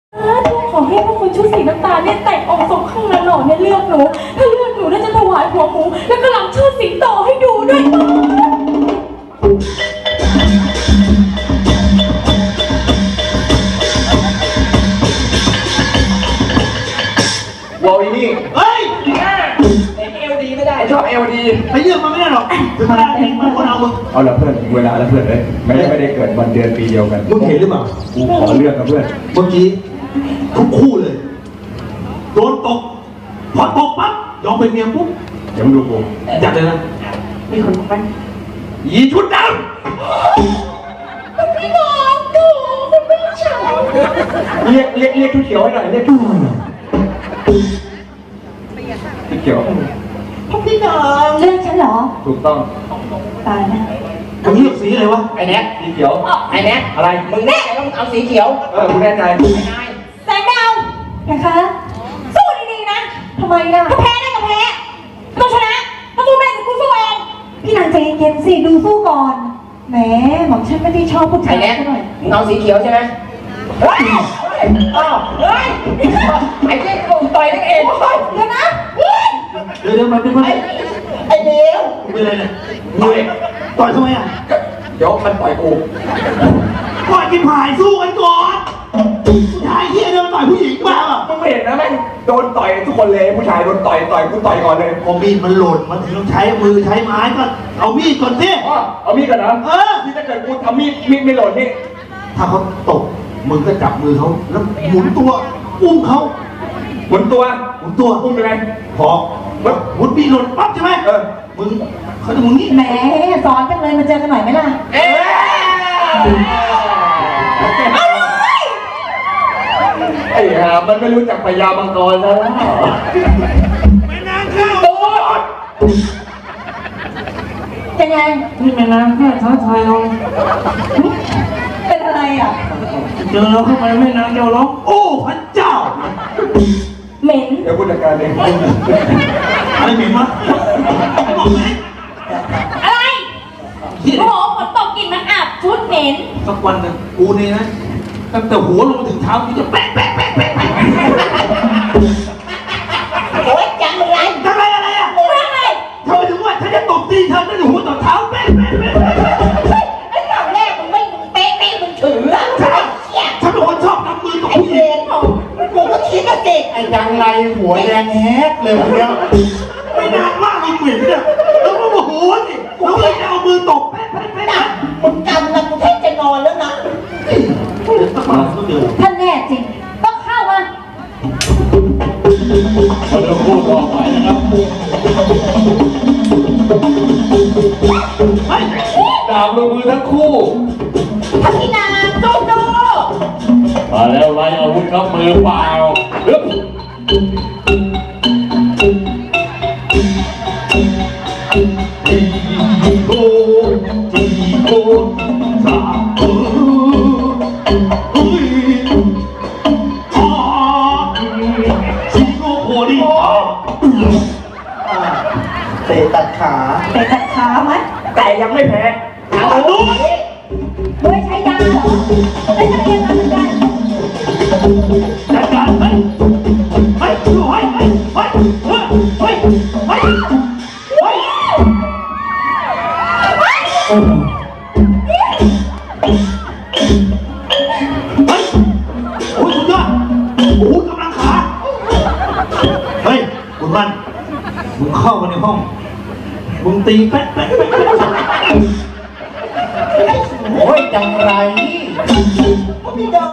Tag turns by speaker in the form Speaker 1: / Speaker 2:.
Speaker 1: ขอให้พวกคุณชุดสีน้ำตาลเนี่ยแต่งองค์ทรงข้างละหล่อเนี่ยเลือกหนูถ้าเลือกหนูน่าจะถวายหัวหมูแล้วก็ลำเชิดสิงโตให้ดูด้วย
Speaker 2: วอลอีนี่เฮ้ยเอลดีไม่ได้ชอบเอลดี
Speaker 3: ไปเลือกมันไม่ได้หรอกถึงเวลาเองมันคนเอามึง
Speaker 2: เอาละเพื่อนเวลาแล้วเพื่อนเลยไม่ได้เกิดวันเดือนปีเดียวกัน
Speaker 3: มึงเห็นหรือเปล่า
Speaker 2: กูขอเลือกกับเพื่อน
Speaker 3: เมื่อกี้ทุกคู่เลยโดนตกพอตกปั๊บยอมเป็นเมียปุ๊บ
Speaker 2: เดี๋ยวมึงดูกู
Speaker 3: จัดเลยนะ
Speaker 1: มีคนไป
Speaker 2: ยีชุดดำ
Speaker 1: พี่น้องดูคุณไม่ชอบ
Speaker 2: เรียกชุดเขียวให้หน่อยเรียกชุดเขียว
Speaker 1: พี่น้องเลือกฉันเหรอ
Speaker 2: ถูกต้อง
Speaker 1: ตายนะ
Speaker 3: มึงเลือกสีอะไรวะ
Speaker 2: ไอ้แน็กสีเขียว
Speaker 4: ไอ้แน็ก
Speaker 2: อะไร
Speaker 4: มึงแน่ใจว่ามึงเอาสีเขียว
Speaker 2: กูแน่ใจ
Speaker 1: แสงดาวนะคะสู้ดีๆนะทำไมล่ะถ้าแพ้ได้ก็แพ้ต้องชนะถ้าสู้ไม่ได้กูสู้เองพี่นางใจเย็นๆสิดูสู้ก่อนแหมหม่อมฉันไม่ได้ชอบผู้ชา
Speaker 4: ไอ้
Speaker 1: ย
Speaker 4: แน็ก
Speaker 1: หน่อย
Speaker 4: มึงเอาสีเขียวใช่ไหมเฮ้ยอ้าวเฮ้ยไอ้เจ๊กูต่อยนักเอง
Speaker 1: เดี๋ยวนะ
Speaker 3: เดี๋ยวมันเป็นอะไร
Speaker 4: ไอ้เดียว
Speaker 3: เป็นอะไรเนี่ยต่อยทำไมอ่ะ
Speaker 2: เดี๋ยวมันต่อยกู
Speaker 3: ต่อยกินผายสู้กันก่อนผู้ชายเฮียเดินต่อยผู้หญิงบ้าอ่ะ
Speaker 2: มึงไม่เห็นนะแม่งโดนต่อยทุกคนเลยผู้ชายโดนต่อยกูต่อยก่อนเลย
Speaker 3: พอมีดมันหล่นมันถึงต้องใช้มือใช้ไม้ก็เอามีดก่อนสิ
Speaker 2: เอามีดก่อนนะที่ถ้าเกิดกูทำมีดไม่หล่นนี่
Speaker 3: ถ้าเขาตกมึงก็จับมือเขาแล้วหมุนตัวอุ้มเขา
Speaker 2: หมุนตัว
Speaker 3: อุ้ม
Speaker 2: ยังไง
Speaker 3: พอหมุนปีหล่นปั๊บใช่ไหมมึงเขาจะมึงนี่
Speaker 1: แหมสอนจังเลยมาเจอกันหน่อยไหมล่ะ
Speaker 2: ไอ้ห่ามันไม่รู้จักพญามังกรแล้ว
Speaker 3: ไม่นานเข้า
Speaker 1: เป็นไง
Speaker 3: นี่แม่น้ำแค่ท้าทายเรา
Speaker 1: เป็นอะไรอ่ะ
Speaker 3: เจอเราเข้าไปแม่น้ำเดียวร้องโอ้พระเจ้า
Speaker 1: เหม็น
Speaker 2: เดี๋ยวผู้จัดการเอง
Speaker 3: อะไรเหม็นวะ
Speaker 1: อะไรโอ้โหฝนตกกลิ่นมันอับชุดเหม็น
Speaker 3: สักวันหนึ่งกูนี่นะตั้งแต่หัวลงถึงเท้ากูจะแปะ
Speaker 4: โอ๊ยจังไร
Speaker 3: อะไรทำไมเธอถึงว่าฉันจะตบตีเธอตั้งแต่หัวต่อเท้าแปะ
Speaker 4: ไอ้ตอนแรกมึงไม่เป๊ะมึงถือแล้วใช่
Speaker 3: ฉันเป็นคนชอบทำมือกับผู้หญิง
Speaker 4: กูก็คิดว่าเด็ก
Speaker 3: ไอ้จังไรหัวแดงแฮกเลยคนเดียวไม่นานมากเลยเหม็นเนี่ยแล้วก็โมโหสิแล้วเลยจะเอามือตบแปะ
Speaker 4: มึงกำลังกูแทบจะนอนแล้วนะ
Speaker 1: ท่านแน่จริงต้องเข้ามา
Speaker 2: เราจะพูดต่อไปนะครับดาบลงมือทั้งคู่
Speaker 4: ทักษิณาโจโจ
Speaker 2: มาแล้วไล่อาวุธครับมือเปล่าโกสา
Speaker 3: เตะตัดขา
Speaker 1: ไหม
Speaker 2: แต่ยังไม่แพ้
Speaker 1: เอาดูเฮ้ยใช้ยาเหรอไม่ใช่ยาเหมือนกัน
Speaker 3: จัดการเฮ้ยดูเฮ้ยโอ้ยสุดยอดโอ้กำลังขาเฮ้ยคุณมันมึงเข้ามาในห้องมึงตีแป๊ะ
Speaker 4: โอ้ยจังไร